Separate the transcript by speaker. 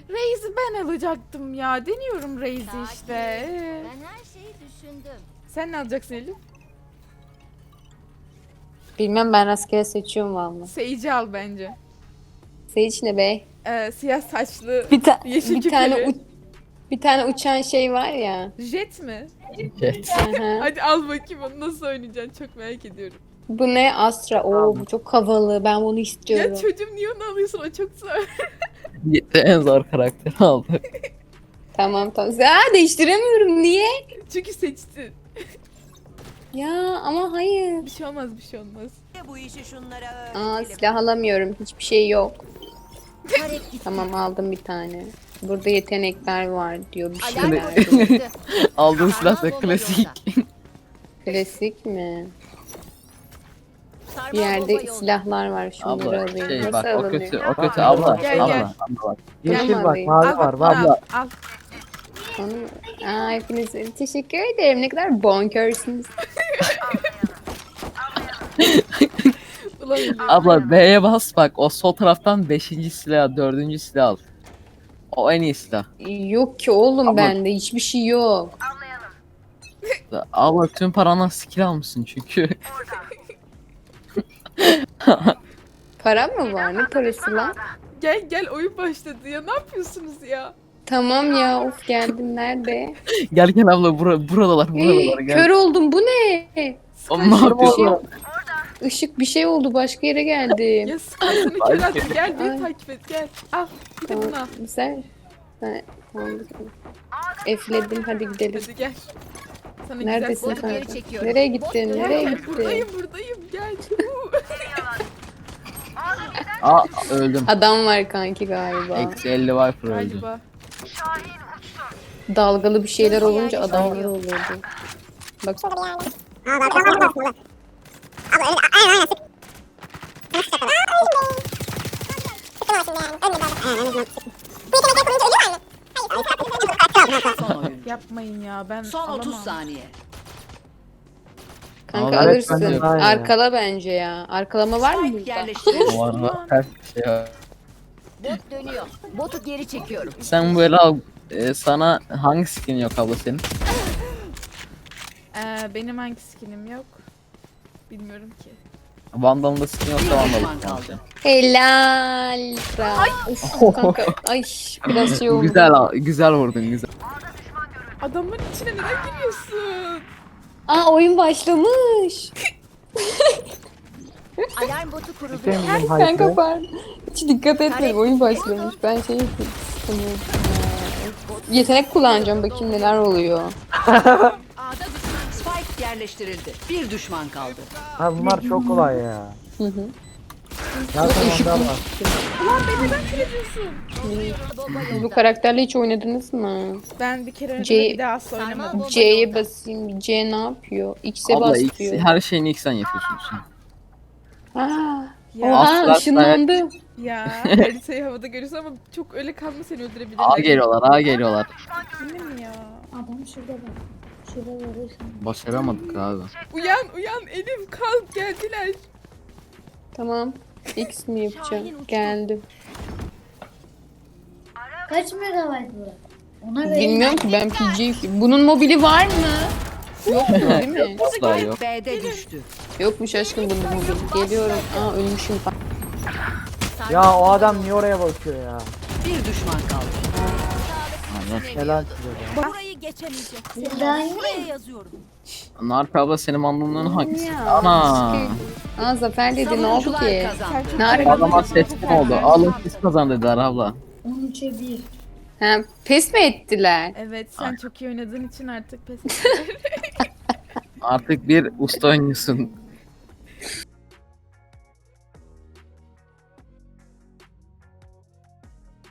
Speaker 1: Raze'i ben alacaktım ya. Deniyorum Raze'i işte.
Speaker 2: Ben her şeyi düşündüm.
Speaker 1: Sen ne alacaksın Elif?
Speaker 3: Bilmem, ben rastgele seçiyorum valla.
Speaker 1: Sage'i al bence.
Speaker 3: Sage ne be?
Speaker 1: Siyah saçlı,
Speaker 3: Bir, ta
Speaker 1: yeşil
Speaker 3: bir tane
Speaker 1: küpeli.
Speaker 3: bir tane uçan şey var ya.
Speaker 1: Jet mi?
Speaker 4: Evet.
Speaker 3: Aha.
Speaker 1: Hadi al bakayım onu nasıl oynayacaksın çok merak ediyorum.
Speaker 3: Bu ne? Astra. Oo, bu çok havalı. Ben bunu istiyorum.
Speaker 1: Ya çocuğum niye onu alıyorsun o çok zor.
Speaker 4: En zor karakteri aldı.
Speaker 3: Tamam. Değiştiremiyorum. Niye?
Speaker 1: Çünkü seçtin.
Speaker 3: Ya ama hayır.
Speaker 1: Bir şey olmaz bir şey olmaz.
Speaker 5: Bu işi şunlara
Speaker 3: Silah alamıyorum. Hiçbir şey yok.
Speaker 2: Tarek gitti.
Speaker 3: Tamam, aldım bir tane. Burada yetenekler var diyor bir
Speaker 2: Alarm
Speaker 3: şeyler.
Speaker 2: botu çıktı.
Speaker 4: Aldığın silah da
Speaker 2: Sarmal bomba
Speaker 4: klasik.
Speaker 2: yolda.
Speaker 3: Klasik mi?
Speaker 2: Sarmal
Speaker 3: Bir yerde
Speaker 2: bomba yolda.
Speaker 3: silahlar var. Şunları
Speaker 4: Abla
Speaker 3: alayım.
Speaker 4: şey
Speaker 3: Nasıl
Speaker 4: bak o
Speaker 3: alınıyor?
Speaker 4: kötü o kötü abla.
Speaker 1: Gel,
Speaker 4: abla.
Speaker 1: gel.
Speaker 4: Abla bak.
Speaker 6: Yeşil bak,
Speaker 3: alayım.
Speaker 6: mavi
Speaker 1: Al
Speaker 6: var.
Speaker 1: bak bunu
Speaker 6: Var.
Speaker 1: al. Al.
Speaker 3: Hepinize teşekkür ederim. Ne kadar bonkörsünüz.
Speaker 1: Ulan
Speaker 4: Abla B'ye bas bak o sol taraftan 5. silah 4. silah al. O en iyi silah.
Speaker 3: Yok ki oğlum,
Speaker 4: Ama-
Speaker 3: bende hiçbir şey yok.
Speaker 4: Abla tüm paranla skill almışsın çünkü.
Speaker 3: Para mı var? Ne parası lan?
Speaker 1: gel gel oyun başladı ya ne yapıyorsunuz ya?
Speaker 3: Tamam ya, of geldim, nerede?
Speaker 4: Gel gel abla buradalar gel.
Speaker 3: Kör oldum, bu ne?
Speaker 4: Oğlum ne
Speaker 3: Bir şey
Speaker 4: yapıyorsun?
Speaker 3: yok. Işık bir şey oldu, başka yere geldim.
Speaker 1: Ya Sky seni kör attı gel beni
Speaker 3: Ay.
Speaker 1: takip et gel. Al bir de bunu al.
Speaker 3: Sen tamam. Efledim, hadi gidelim.
Speaker 1: Hadi gel. Sana
Speaker 3: Neredesin
Speaker 1: güzel
Speaker 2: Geri
Speaker 3: kanka?
Speaker 2: çekiyorum.
Speaker 3: Nereye gittin?
Speaker 1: Gel,
Speaker 3: Nereye
Speaker 1: gel,
Speaker 3: gittin?
Speaker 1: buradayım gel.
Speaker 4: Aa öldüm.
Speaker 3: Adam var kanki galiba.
Speaker 4: Eksi 50 Viper öldü.
Speaker 1: Galiba.
Speaker 3: Dalgalı bir şeyler olunca adamlar oluyordu. Bak
Speaker 5: son oyun.
Speaker 1: Yapmayın ya ben
Speaker 5: Son
Speaker 1: alamam.
Speaker 5: 30 saniye.
Speaker 3: kanka
Speaker 4: Ama
Speaker 3: alırsın.
Speaker 6: öğretmenim var ya.
Speaker 3: Arkala bence ya. Arkalama var mı
Speaker 5: Spike
Speaker 3: burada?
Speaker 5: yerleştirildi.
Speaker 4: O arada ters bir şey var.
Speaker 2: Bot dönüyor. Botu geri çekiyorum.
Speaker 4: Sen böyle al. Sana hangi skin yok abla senin?
Speaker 1: Benim hangi skinim yok? Bilmiyorum ki.
Speaker 4: Vandal'da skin yoksa
Speaker 5: Bir
Speaker 4: Vandal.
Speaker 5: düşman kaldı.
Speaker 3: Helal. Uf, kanka. Ay biraz şey oldu.
Speaker 4: Güzel vurdun güzel.
Speaker 1: Adamın içine neden giriyorsun?
Speaker 3: Aa, oyun başlamış.
Speaker 2: Alarm botu kuruldu.
Speaker 6: Benim
Speaker 3: Kanka
Speaker 6: hype'ı.
Speaker 3: pardon. Hiç dikkat etmedim. Oyun başlamış. Ben şey sanıyordum. Yetenek kullanacağım. Bakayım neler oluyor.
Speaker 5: A'da düşman. Spike yerleştirildi. Bir düşman kaldı.
Speaker 6: Ha bunlar çok kolay ya.
Speaker 3: Hı hı.
Speaker 6: Zaten onda var.
Speaker 1: Ulan beni neden kırıyorsun?
Speaker 2: Bomba
Speaker 3: Siz bu
Speaker 2: yolda.
Speaker 3: karakterle hiç oynadınız mı?
Speaker 1: Ben bir kere oynadım
Speaker 3: C-
Speaker 1: bir daha asla
Speaker 2: Sarmal
Speaker 1: oynamadım.
Speaker 2: bomba
Speaker 3: C'ye
Speaker 2: yolda.
Speaker 3: basayım. C ne yapıyor? X'e
Speaker 4: Abla X,
Speaker 3: basıyor.
Speaker 4: her şeyini X'ten yapıyorsun sen.
Speaker 3: Aa,
Speaker 1: Ya,
Speaker 3: oha
Speaker 4: Asla-
Speaker 3: ışınlandı.
Speaker 1: ya haritayı havada görüyorsun ama çok öyle kalma seni öldürebilirler.
Speaker 4: A geliyorlar.
Speaker 1: Yine mi ya?
Speaker 7: Adam şurada bak. Şurada var.
Speaker 4: Başaramadık abi.
Speaker 1: Uyan Elif kalk geldiler.
Speaker 3: Tamam. X mi yapacağım? Geldim.
Speaker 7: Kaç megabayt bu? Ona göre
Speaker 3: Bilmiyorum ki, ben PG. Bunun mobili var mı? Yok mu, değil mi?
Speaker 4: Asla yok.
Speaker 5: B'de düştü.
Speaker 3: Yokmuş aşkım bunun mobili. Geliyorum. Aa, ölmüşüm.
Speaker 6: Ya o adam niye oraya bakıyor ya?
Speaker 5: Bir düşman kaldı.
Speaker 4: Aynen.
Speaker 6: Helal size be.
Speaker 2: Burayı geçemeyecek.
Speaker 7: daha iyi.
Speaker 2: Buraya yazıyorum.
Speaker 4: Narp abla senin mandalının hangisi?
Speaker 3: Ya,
Speaker 4: Ana.
Speaker 3: Aa, Zafer dedi, ne oldu
Speaker 5: Savunucular
Speaker 3: ki?
Speaker 5: kazandı.
Speaker 3: Ne ara
Speaker 4: Adama seçkin oldu. Alın siz kazan dediler abla.
Speaker 7: 13'e 1.
Speaker 3: Ha, pes mi ettiler?
Speaker 1: Evet sen çok iyi oynadığın için artık pes.
Speaker 4: Artık bir usta oynuyorsun.